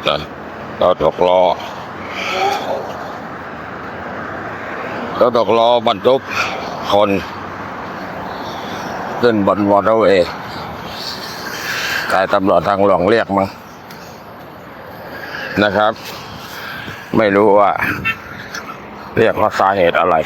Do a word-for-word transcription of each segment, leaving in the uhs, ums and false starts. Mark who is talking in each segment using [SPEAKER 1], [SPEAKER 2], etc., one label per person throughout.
[SPEAKER 1] เราตกล้อเราตกล้อบรรทุกคนขึ้นบนวอเตอร์เวย์กายตำรวจทางหลวงเรียกมั้งนะครับไม่รู้ว่าเรียกว่าสาเหตุอะไร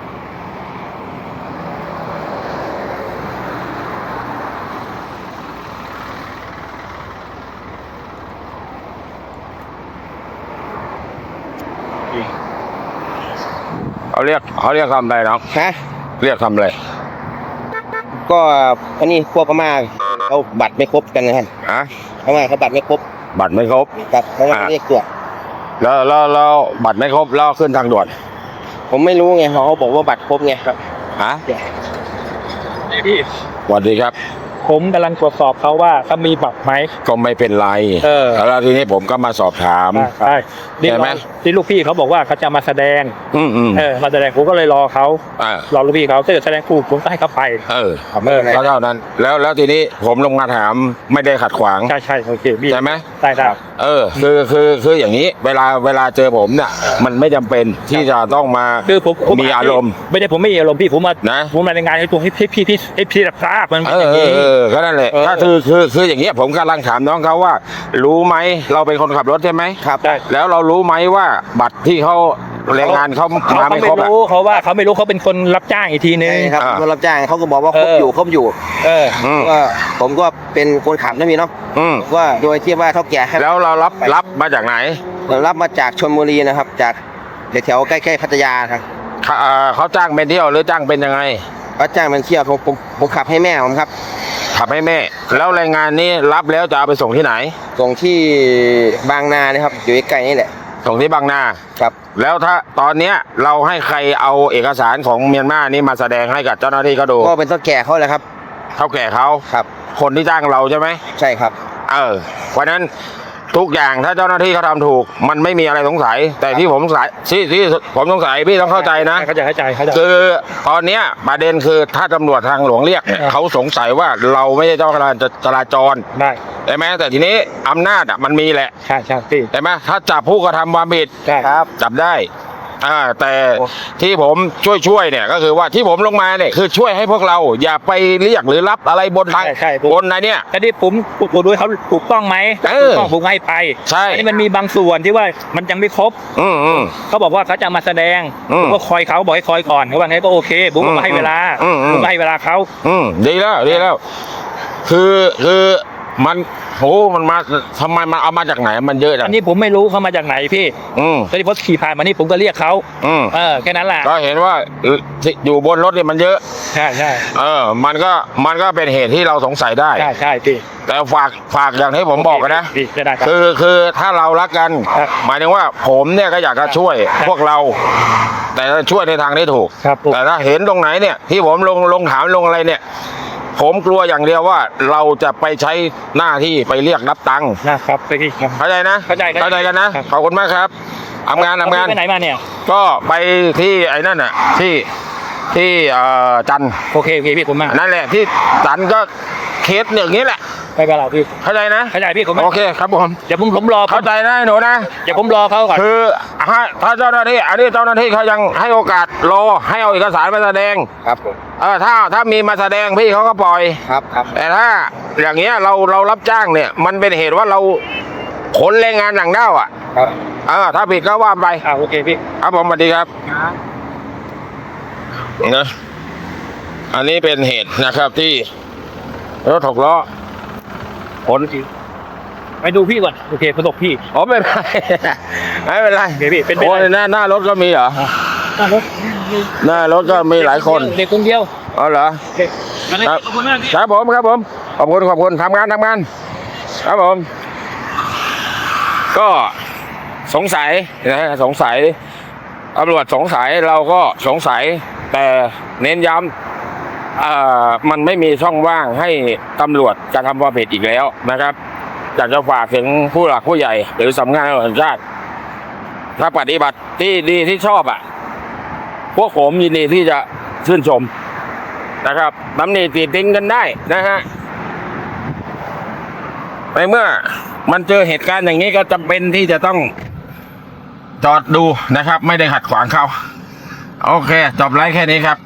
[SPEAKER 1] เขาเรียกเขาเรียกทำอะไรเนาะ
[SPEAKER 2] ฮะ
[SPEAKER 1] เรียกทำอะไร
[SPEAKER 2] ก็อันนี้พวกพม่าเขาบัตรไม่ครบกันนะครับ
[SPEAKER 1] ฮะ
[SPEAKER 2] พม่าเขาบัตรไม่ครบ
[SPEAKER 1] บัตรไม่ครบ
[SPEAKER 2] ครับเขาเรียกตรวจ
[SPEAKER 1] แล้วแล้วแล้วบัตรไม่ครบแล้วขึ้นทางด่วน
[SPEAKER 2] ผมไม่รู้ไงเขาบอกว่าบัตรครบไงครับ
[SPEAKER 1] ฮะ
[SPEAKER 3] พี่
[SPEAKER 1] สวัสดีครับ
[SPEAKER 3] ผมกำลังตรวจสอบเขาว่าเขามีบัตรไหม
[SPEAKER 1] ก็ไม่เป็นไร
[SPEAKER 3] เออ
[SPEAKER 1] แล้วทีนี้ผมก็มาสอบถาม
[SPEAKER 3] ใช่ใช่ไหมที่ลูกพี่เขาบอกว่าเขาจะมาแสดง
[SPEAKER 1] อืมอืม
[SPEAKER 3] เออมาแสดงผมก็เลยรอเขารอลูกพี่เขาถ้าเกิดแสดงคู่ผมก็ให้เขาไป
[SPEAKER 1] เออก็เท่านั้นแล้วแล้วทีนี้ผมลงมาถามไม่ได้ขัดขวาง
[SPEAKER 3] ใช่ใช่โอเคพี่
[SPEAKER 1] ใช่ไหม
[SPEAKER 3] ใช่ครับ
[SPEAKER 1] เออคือคือคืออย่างนี้เวลาเวลาเจอผมเนี่ยมันไม่จำเป็นที่จะต้องมา
[SPEAKER 3] คือผม
[SPEAKER 1] มีอารมณ์
[SPEAKER 3] ไม่ได้ผมไม่มีอารมณ์พี่ผมมา
[SPEAKER 1] นะ
[SPEAKER 3] ผมมารายงานให้ตัวให้พี่พี่ให้พี่รับทราบมัน
[SPEAKER 1] เออเออก็นั่นแหละก็คือคือคืออย่างเงี้ยผมกำลังถามน้องเขาว่ารู้ไหมเราเป็นคนขับรถใช่ไหม
[SPEAKER 2] ครับ
[SPEAKER 1] แล้วเรารู้ไหมว่าบัตรที่เขาแรงงานเขา
[SPEAKER 3] มาไม่ครบเขาเขาว่าเขาไม่รู้เขาเป็นคนรับจ้างอีกทีนึง
[SPEAKER 2] ครับคนรับจ้างเขาก็บอกว่าครบอยู่ครบอยู่
[SPEAKER 3] เออ
[SPEAKER 2] ว่าผมก็เป็นคนขับนะพี่เนาะว่าโดยที่ว่าเท่าแก่
[SPEAKER 1] แล้วเรารับรับมาจากไหน
[SPEAKER 2] เรารับมาจากชลบุรีนะครับจากแถวใกล้ๆพัทยาครับ
[SPEAKER 1] เขาจ้างเป็นเที่ยวหรือจ้างเป็นยังไง
[SPEAKER 2] เขาจ้างเป็นเที่ยวผมผมผมขับให้แม่ผมครับ
[SPEAKER 1] ขับให้แม่แล้วรายงานนี้รับแล้วจะเอาไปส่งที่ไหน
[SPEAKER 2] ส่งที่บางนานะครับอยู่ใกล้ๆนี่แหละ
[SPEAKER 1] ส่งที่บางนา
[SPEAKER 2] ครับ
[SPEAKER 1] แล้วถ้าตอนเนี้ยเราให้ใครเอาเอกสารของเมียนมานี่มาแสดงให้กับเจ้าหน้าที่เขาดู
[SPEAKER 2] ก็เป็นเท่าแก่เขาแหละครับ
[SPEAKER 1] เท่าแก่เขา
[SPEAKER 2] ครับ
[SPEAKER 1] คนที่จ้างเราใช่ไหม
[SPEAKER 2] ใช่ครับ
[SPEAKER 1] เออเพราะนั้นทุกอย่างถ้าเจ้าหน้าที่เขาทำถูกมันไม่มีอะไรสงสัยแต่ที่ผมสงสัยที่ที่ผมสงสัยพี่ต้องเข้าใจนะ
[SPEAKER 3] เข้าใจเข้าใจเข้าใจ
[SPEAKER 1] คือตอนเนี้ยประเด็นคือถ้าตำรวจทางหลวงเรียกเนี่ยเขาสงสัยว่าเราไม่ใช่เจ้าจราจร
[SPEAKER 3] ได้
[SPEAKER 1] ใช่ไหมแต่ทีนี้อำนาจอ่ะมันมีแหละ
[SPEAKER 3] ใช่ใช่พี่
[SPEAKER 1] ใช่ไหมถ้าจับผู้กระทำความผิด
[SPEAKER 2] ครับ
[SPEAKER 1] จับได้อ่าแต่ที่ผมช่วยช่วยเนี่ยก็คือว่าที่ผมลงมาเนี่ยคือช่วยให้พวกเราอย่าไปเรียกหรือรับอะไรบนทางบนอะไรเนี่ย
[SPEAKER 3] แต่ที่ผมผมดูเขาถูกต้องไหมถูกต้องผมให้ไป
[SPEAKER 1] ใช่
[SPEAKER 3] นี่มันมีบางส่วนที่ว่ามันยังไม่ครบ
[SPEAKER 1] อืมอืม
[SPEAKER 3] เขาบอกว่าเขาจะมาแสดงผมก็คอยเขาบอกให้คอยก่อนเขาว่าไงก็โอเคผมก็ให้เวลาผมให้เวลาเขา
[SPEAKER 1] อืมดีแล้วดีแล้วคือคือมันโหมันมาทำไมมันเอามาจากไหนมันเยอะจัง
[SPEAKER 3] อันนี้ผมไม่รู้เขามาจากไหนพี่
[SPEAKER 1] อืม
[SPEAKER 3] ตอนที่ผมขี่ผ่านมานี่ผมก็เรียกเขา
[SPEAKER 1] อืม
[SPEAKER 3] เออแค่นั้นแหละ
[SPEAKER 1] ก็เห็นว่าอยู่บนรถเนี่ยมันเยอะ
[SPEAKER 3] ใช่ใช่
[SPEAKER 1] เออมันก็มันก็เป็นเหตุที่เราสงสัยได้
[SPEAKER 3] ใช่ใช่พี่
[SPEAKER 1] แต่ฝากฝากอย่างที่ผมบอกกันนะ
[SPEAKER 3] คื
[SPEAKER 1] อคือถ้าเรารักกันหมายถึงว่าผมเนี่ยก็อยากจะช่วยพวกเราแต่ช่วยในทางที่ถูกแต่ถ้าเห็นตรงไหนเนี่ยที่ผมลงลงถามลงอะไรเนี่ยผมกลัวอย่างเดียวว่าเราจะไปใช้หน้าที่ไปเรียกรับตังค์
[SPEAKER 3] นะครับพี่
[SPEAKER 1] เข้าใจนะ
[SPEAKER 3] เข้าใจ
[SPEAKER 1] เข้าใจกันนะขอบคุณมากครับทำงานทำงาน
[SPEAKER 3] ไปไหนมาเนี่ย
[SPEAKER 1] ก็ไปที่ไอ้นั่นน่ะที่ที่เอ่อจัน
[SPEAKER 3] โอเคโอเคพี่ผมมา
[SPEAKER 1] นั่นแหละที่จันก็เคสอย่างนี้แหละ
[SPEAKER 3] ไปกับเราพี่
[SPEAKER 1] เข้าใจนะ
[SPEAKER 3] เข้าใจพี่ผม
[SPEAKER 1] โอเคครับผม
[SPEAKER 3] เดี๋ยวผมผมรอ
[SPEAKER 1] เข้าใจนะหนูนะ
[SPEAKER 3] เดี๋ยวผมรอเขาก่อน
[SPEAKER 1] คือถ้าเจ้าหน้าที่อันนี้เจ้าหน้าที่เขายังให้โอกาสรอให้เอาเอกสารมาแสดง
[SPEAKER 2] ครับผม
[SPEAKER 1] เออถ้าถ้ามีมาแสดงพี่เขาก็ปล่อย
[SPEAKER 2] ครับครับ
[SPEAKER 1] แต่ถ้าอย่างเงี้ยเราเรารับจ้างเนี่ยมันเป็นเหตุว่าเราขนแรงงานหนังด้าวอ่ะ
[SPEAKER 2] ครับ
[SPEAKER 1] เออถ้าผิดก็ว่าไป
[SPEAKER 3] อ่าโอเคพี่
[SPEAKER 1] ครับผมสวัสดีครับนะอันนี้เป็นเหตุนะครับที่รถถกล้อผล
[SPEAKER 3] ไปดูพี่ก่อนโอเคประสบพี่
[SPEAKER 1] อ๋อไม่เป็นไรไม่เป็นไร
[SPEAKER 3] พี่เป็น
[SPEAKER 1] โอ้ยหน้าหน้ารถก็มีเหรอ
[SPEAKER 3] หน้ารถ
[SPEAKER 1] หน้ารถก็มีหลายคน
[SPEAKER 3] เด็กคนเดียว
[SPEAKER 1] อ๋อเหรอครับขอบคุณมากครับผมครับผมขอบคุณขอบคุณทำงานทำงานครับผมก็สงสัยนะสงสัยตำรวจสงสัยเราก็สงสัยแต่เน้นย้ำอ่ามันไม่มีช่องว่างให้ตำรวจกระทำความผิดอีกแล้วนะครับอยากจะฝากถึงผู้หลักผู้ใหญ่หรือสำนักงานตำรวจแห่งชาติถ้าปฏิบัติที่ดีที่ชอบอ่ะพวกผมยินดีที่จะชื่นชมนะครับตำหนิติติงกันได้นะฮะในเมื่อมันเจอเหตุการณ์อย่างนี้ก็จำเป็นที่จะต้องจอดดูนะครับ ไม่ได้ขัดขวางเขาโอเคจบไลฟ์แค่นี้ครับ